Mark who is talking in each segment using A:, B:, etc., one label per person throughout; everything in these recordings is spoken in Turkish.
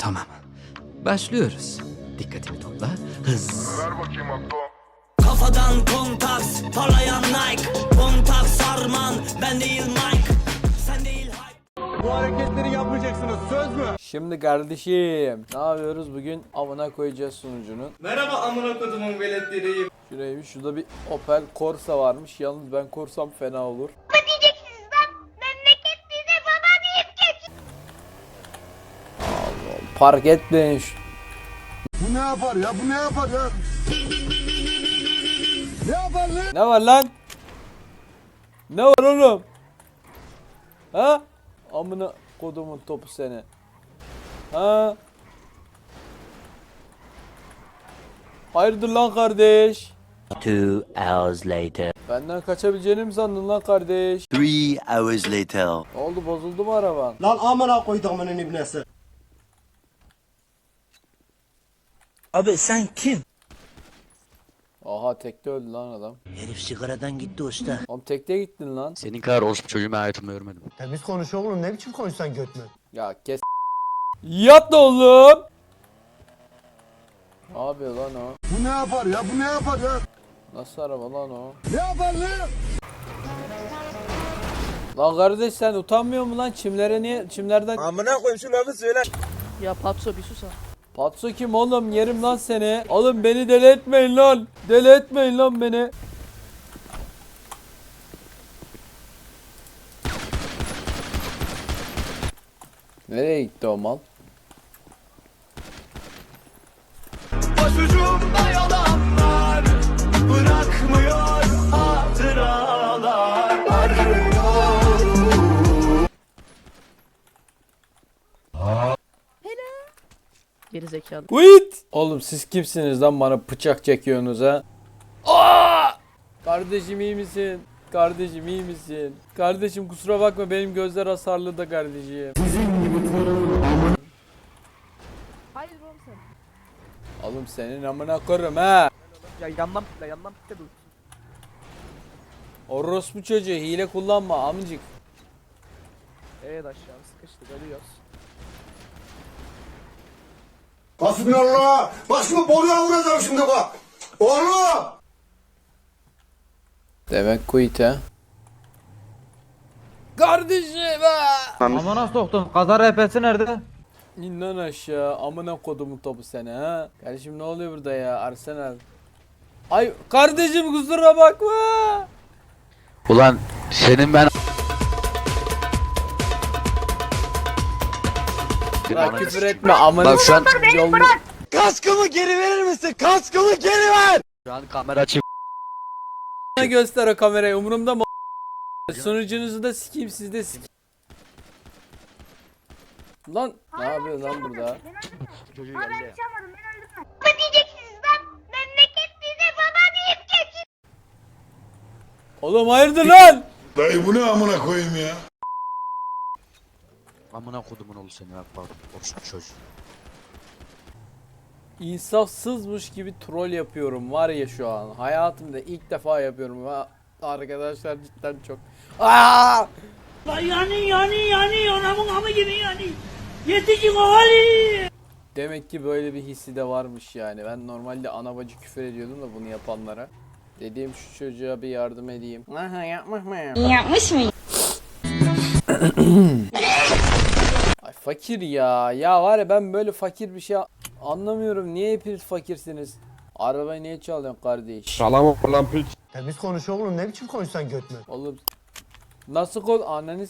A: Tamam. Başlıyoruz. Dikkatimi topla. Hız.
B: Ver bakayım Abdo.
C: Kafadan kontaks, parlayan Nike. Kontak sarman, ben değil Mike. Sen değil hype.
D: Bu hareketleri yapmayacaksınız, söz mü?
E: Şimdi kardeşim ne yapıyoruz bugün? Amına koyacağız sunucunun.
F: Merhaba amına kodumun veletleri.
E: Şuraya şurada bir Opel Corsa varmış. Yalnız ben Corsa'm fena olur.
G: Ne diyeceksiniz lan? Memleket bize baba deyip geç.
E: Park etmeyin şu.
D: Bu ne yapar ya? Bu ne yapar ya? Ne yapar lan?
E: Ne var lan? Ne var oğlum? Ha? Amına kodumun topu seni. Ha? Hayırdır lan kardeş?
H: 2 hours later.
E: Benden kaçabileceğini mi sandın lan kardeş?
H: 3 hours later.
E: Ne oldu, bozuldu mu araban?
D: Lan amına koyduğumun ibnesi.
C: Abi sen kim?
E: Aha tekte öldü lan adam.
H: Herif sigaradan gitti usta.
E: Oğlum tekte gittin lan.
I: Senin kadar orospu çocuğu ben hayatımda görmedim.
D: Temiz konuş oğlum, ne biçim konuşsan göt mü?
E: Ya kes. Yat da oğlum. Ne yapıyor lan o?
D: Bu ne yapar ya? Bu ne yapar ya?
E: Nasıl araba lan o?
D: Ne yapar lan?
E: Lan kardeş sen utanmıyor mu lan? Çimlere niye? Çimlerden...
D: Amına koyayım şu lafı söyle.
J: Ya Patso bir sus ha.
E: Patso kim oğlum? Yerim lan seni. Oğlum beni deli etmeyin lan. Deli etmeyin lan beni. Nereye gitti o mal?
C: Başucumda yalanlar bırakmıyor hatıralar.
J: Geri zekalı.
E: Wait! Oğlum siz kimsiniz lan bana bıçak çekiyorsunuz ha? Aa! Kardeşim iyi misin? Kardeşim iyi misin? Kardeşim kusura bakma benim gözler hasarlı da kardeşim.
J: Hayır oğlum sen.
E: Oğlum senin amına koyarım ha.
J: Ya yandan pitle yandan pitle dur.
E: Orospu çocuğu hile kullanma amcık.
J: Evet aşağı sıkıştık ölüyoruz.
D: Hasbinallah. Bak şimdi boruya vuracağım şimdi bak. Oğlum.
E: Demek quit ha. Kardeşim ha.
F: Amına soktum. Kaza RP'si nerede?
E: İn lan aşağı amına kodumun topu seni ha. Kardeşim ne oluyor burada ya Arsenal? Ay kardeşim kusura bakma.
I: Ulan senin ben...
E: Bırak küfür etme amına.
I: Bak şu an...
E: Yolunu...
D: Kaskımı geri verir misin? Kaskımı geri ver.
I: Şu an kamera açık.
E: Göster o kamerayı umurumda mı? Sonucunuzu da sikeyim siz de sikeyim. Lan ne yapıyor lan burada?
I: Çocuğu
G: Ama
I: geldi
G: ben
I: ya.
G: çalmadım, ben öldürmem. Ne diyeceksiniz lan? Memleket bize baba deyip geç.
E: Oğlum hayırdır lan?
B: Dayı bu ne amına koyayım ya?
I: Amına kodumun oğlu seni bak orospu çocuğu.
E: İnsafsızmış gibi troll yapıyorum var ya şu an. Hayatımda ilk defa yapıyorum. Arkadaşlar cidden çok. Aa!
C: Yani anamın amı gibi yani. Yetişin o hali.
E: Demek ki böyle bir hissi de varmış yani. Ben normalde ana bacı küfür ediyordum da bunu yapanlara. Dediğim şu çocuğa bir yardım edeyim. Aha yapmış mı?
G: Yapmış mı?
E: Ay fakir ya. Ya var ya ben böyle fakir bir şey anlamıyorum. Niye hepiniz fakirsiniz? Arabayı niye çalıyorsun kardeş?
D: Temiz konuş oğlum, ne biçim konuşsan göt mü?
E: Oğlum nasıl kol ananı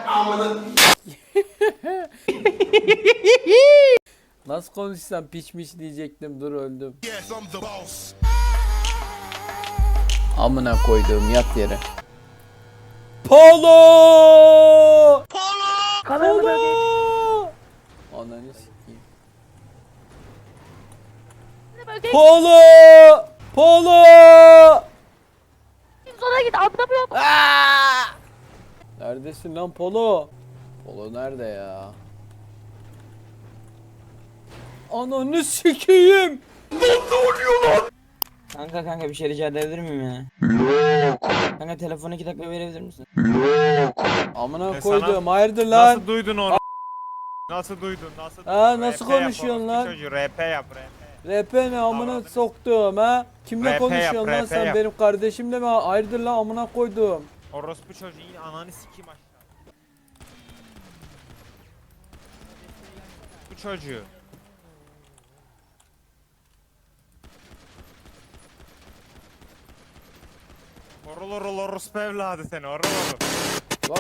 E: nasıl konuşsam piçmiş diyecektim dur öldüm. Amına koyduğum yat yere. Polo! Polo! Ananı sikeyim. Polo! Polo!
J: Sonra git anlamıyorum.
E: Aa! Neredesin lan Polo? Polo nerede ya? Ananı sikeyim.
C: Kanka bir şey rica edebilir miyim ya? Yok. Kanka telefonu 2 dakika verebilir misin?
E: Amına koydum hayırdır lan?
F: Nasıl duydun onu?
D: Nasıl duydun? Nasıl
E: Ha,
D: duydun?
E: nasıl
D: RP yap
E: konuşuyorsun
D: orospu
E: lan?
D: Çocuğu, RP yap RP.
E: RP ne amına
D: Avradını-
E: soktuğum ha? Kimle
D: RP
E: konuşuyorsun
D: yap,
E: lan
D: RP
E: sen
D: yap.
E: benim kardeşimle mi? Hayırdır lan amına koydum.
D: Orospu çocuğu yine ananı sikeyim aşağı. Bu çocuğu. Orul orospu evladı seni orul.
E: Lan